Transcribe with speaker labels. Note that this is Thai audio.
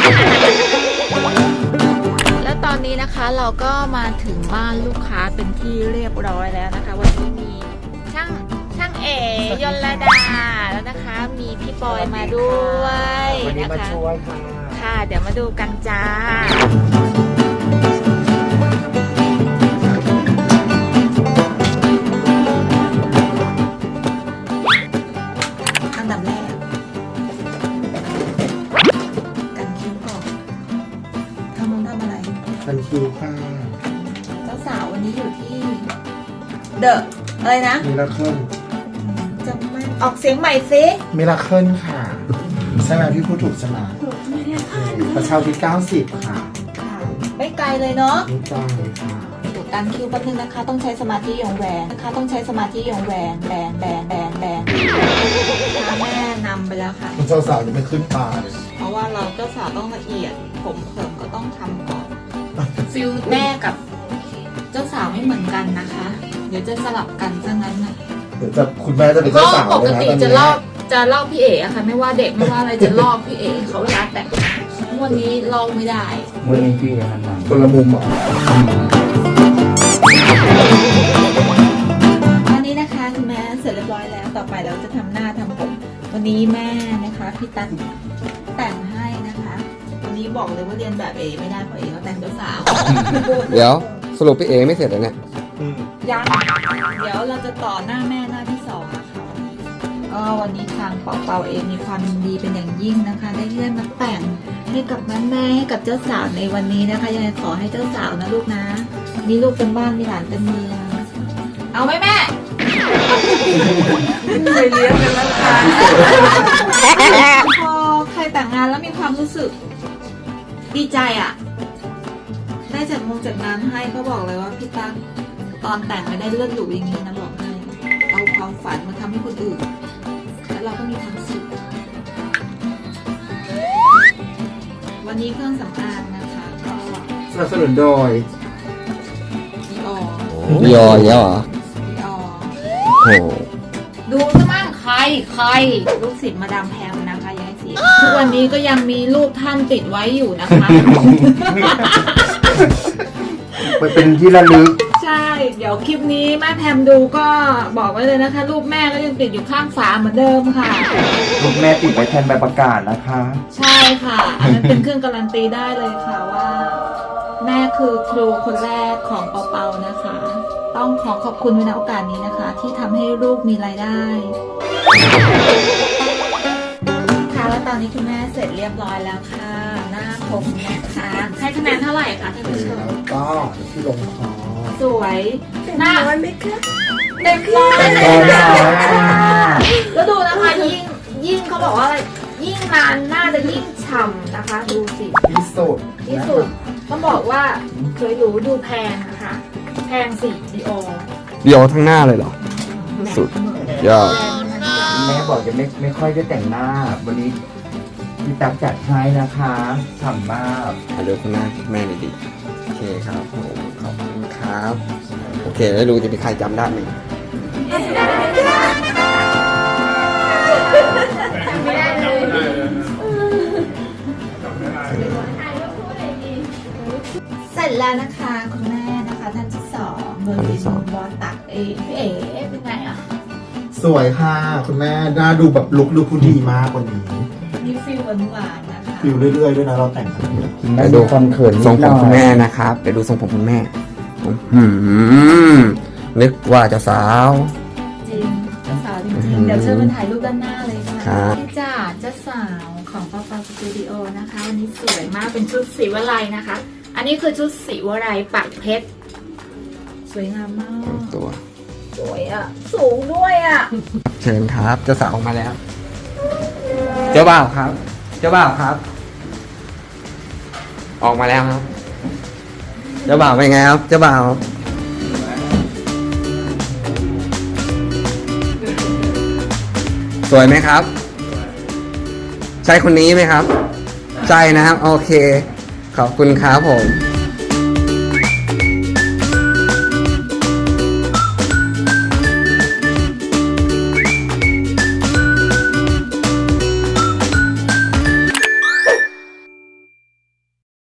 Speaker 1: แล้วตอนนี้นะคะเราก็มาถึงบ้านลูกค้าเป็นที่เรียบร้อยแล้วนะคะวันนี้มีช่างเอยลดาแล้วนะคะมีพี่ปอยมาด้วย
Speaker 2: วันนี้
Speaker 1: นะ
Speaker 2: มา
Speaker 1: คะ
Speaker 2: ช่วยค่ะ
Speaker 1: ค่ะเดี๋ยวมาดูกันจ้าอันดับแรกกันคิ้วก่อนทำอะไร
Speaker 2: ทันคิวค่ะ
Speaker 1: เจ้าสาววันนี้อยู่ที่เดอะอะไรนะ
Speaker 2: มิราเคิล
Speaker 1: จำไม่ออกเสียงใหม่ซิ
Speaker 2: มิราเคิลค่ะใช่ไหมพี่พูดถูกใช่ไหมประชาที่90 ค่ะ
Speaker 1: ค่ะไม่ไกลเลยเนาะ
Speaker 2: นี่ใจค่ะ
Speaker 1: ดูการคิวแป๊บนึงนะคะ ต้องใช้สมาธิอย่างแหวนนะคะต้องใช้สมาธิอย่างแหวนแบนพาแม่นำไปแล้วค่ะ
Speaker 2: คุณเจ้าสาวยังไม่ขึ้นตาเลย
Speaker 1: เพราะว่าเราเจ้าสาวต้องละเอียดผมเผิมก็ต้องทำก่อนฟิลแม่กับเจ้าสาวไม่เหมือนกันนะคะ เดี๋ยวจะสลับกันซะงั้นนะ
Speaker 2: เดี๋ยวจะคุณแม่จะเป็น
Speaker 1: ก็
Speaker 2: เจ้าสาว
Speaker 1: ป
Speaker 2: เลย
Speaker 1: ก
Speaker 2: นะ
Speaker 1: ติ
Speaker 2: ตอน
Speaker 1: จะ
Speaker 2: นี้
Speaker 1: ลอกพี่เอ๋อะค่ะ ไม่ว่าเด็กไม่ว่าอะไรจะลอกพี่เอ๋เขาเวลาแต่งวันนี้ลอกไม่ได้
Speaker 3: วันนี้พี่หันหลัง
Speaker 2: คนละมุมเหรอ
Speaker 1: อันนี้นะคะคุณแม่เสร็จเรียบร้อยแล้วต่อไปเราจะทำหน้าทำผมวันนี้แม่นะคะพี่ตั๊กแต่งให้นะคะ วันนี้บอกเลยว่าเรียนแบบเอ๋ไม่ได้เพราะเอ๋เขาแต่งเจ้าสาว
Speaker 3: เดี๋ยวสรุปพี่เอไม่เสร็จเลยเนี่ย
Speaker 1: ยังเดี๋ยวเราจะต่อหน้าแม่หน้าที่สองนะคะก็วันนี้ทางเป่าเองมีความยินดีเป็นอย่างยิ่งนะคะ ได้ที่ได้มาแต่งให้กับแม่ให้กับเจ้าสาวในวันนี้นะคะยังไงขอให้เจ้าสาวนะลูกนะมีลูกเต็มบ้านมีหลานเต็มเมืองเอาไหมแม่เคยเลี้ยงกันแล้วค่ะพอใครแต่งงานแล้วมีความรู้สึกดีใจอ่ะได้จัดงานให้ก็บอกเลยว่าพี่ตั๊กตอนแต่งไม่ได้เลือดหรูอย่างนี้นะบอกให้เอาความฝันมาทำให้คนอื่นแล้วเราก็มีความสุขวันนี้เครื่องสำอางนะคะก็
Speaker 2: สนับสนุนโดย
Speaker 1: ดีออ
Speaker 3: พี่ยออย่างเงี้ยเหรอ
Speaker 1: ดีออ
Speaker 3: โอ้โห
Speaker 1: ดูซะมั่งใครลูกศิษย์มาดามแพมนะคะยายเสียทุกวันนี้ก็ยังมีรูปท่านติดไว้อยู่นะคะ
Speaker 2: มันเป็นที่ระลึก
Speaker 1: ใช่ เดี๋ยวคลิปนี้แม่แพมดูก็บอกไว้เลยนะคะ รูปแม่ก็ยังติดอยู่ข้างฝาเหมือนเดิมค่ะ
Speaker 2: ลูกแม่ติดไว้แทนใบประกาศนะคะ
Speaker 1: ใช่ค่ะอันนั้นเป็นเครื่องการันตีได้เลยค่ะว่า แม่คือครูคนแรกของเปาๆนะคะ ต้องขอขอบคุณในโอกาสนี้นะคะ ที่ทำให้ลูกมีรายได้ค่ะแล้วตอนนี้คุณแม่เสร็จเรียบร้อยแล้วค่ะหน้าผมนะคะให้คะแนนเท่าไหร่คะท่านผู้ชม
Speaker 2: แล้วก็ที่ลงคอ
Speaker 1: สวยหน้า
Speaker 4: ร้อยไหมคะ
Speaker 1: เด็กร้อย
Speaker 2: ร้อยค่ะ
Speaker 1: แล้วดูนะคะยิ่งเขาบอกว่าอะไรยิ่งนานน่าจะยิ่งฉ่ำนะคะ ดูสิ
Speaker 2: ที่สุด
Speaker 1: ที่สุดต้องบอกว่าเคยรู้ดูแพงนะคะแพงสิดีโอ
Speaker 3: เดียวทั้งหน้าเลยเหรอ สุดยอด
Speaker 4: แม่บอกจะไม่ค่อยได้แต่งหน้า วันนี้พี่ตั๊กจัดให้นะคะฉ่ำมาก
Speaker 3: ถ่ายรูปคุณแม่แม่ดีๆโอเคครับผมขอบคุณครับ โอเคแล้วดูจะมีใครจำได้ไหม
Speaker 1: ไม่ได้เลยเสร็จแล้วนะคะคุณแม่นะคะท่านที่สองโดยเป็นบอสตักเองพี่เอ๋เป็นไงอ่ะ
Speaker 2: สวยค่ะ คุณแม่หน้าดูแบบลุคดูผู้ดีมากกว่านี้
Speaker 1: มีฟิลหวานๆนะคะ
Speaker 2: ฟิลเรื่อยๆด้วยนะเราแต่งกันเนี่ย
Speaker 3: ไปดู
Speaker 4: ความเขิน
Speaker 3: ทรงผม
Speaker 4: นิดหน่อย
Speaker 3: คุณแม่นะครับไปดูทรงผมคุณแม่นึกว่าจะสาว
Speaker 1: จริงเจ้าสาวจริงๆเดี๋ยวเชิญมาถ่ายรูปด้านหน้าเลยค่ะ
Speaker 3: ครับ
Speaker 1: นี่จ้าเจ้าสาวของปาปาสตูดิโอนะคะวันนี้สวยมากเป็นชุดสีวลัยนะคะ อันนี้คือชุดสีวลัยปักเพชรสวยงามมาก
Speaker 3: ตัว
Speaker 1: สวยอ่ะ สูงด้วยอ่ะ
Speaker 3: เชิญครับเจ้าสาวออกมาแล้ว เจ้าบ่าวครับ เจ้าบ่าวครับ ออกมาแล้วครับ เจ้าบ่าวเป็นไงครับ เจ้าบ่าวสวยไหมครับ ใช่คนนี้ไหมครับ ใช่นะครับ โอเค ขอบคุณครับผม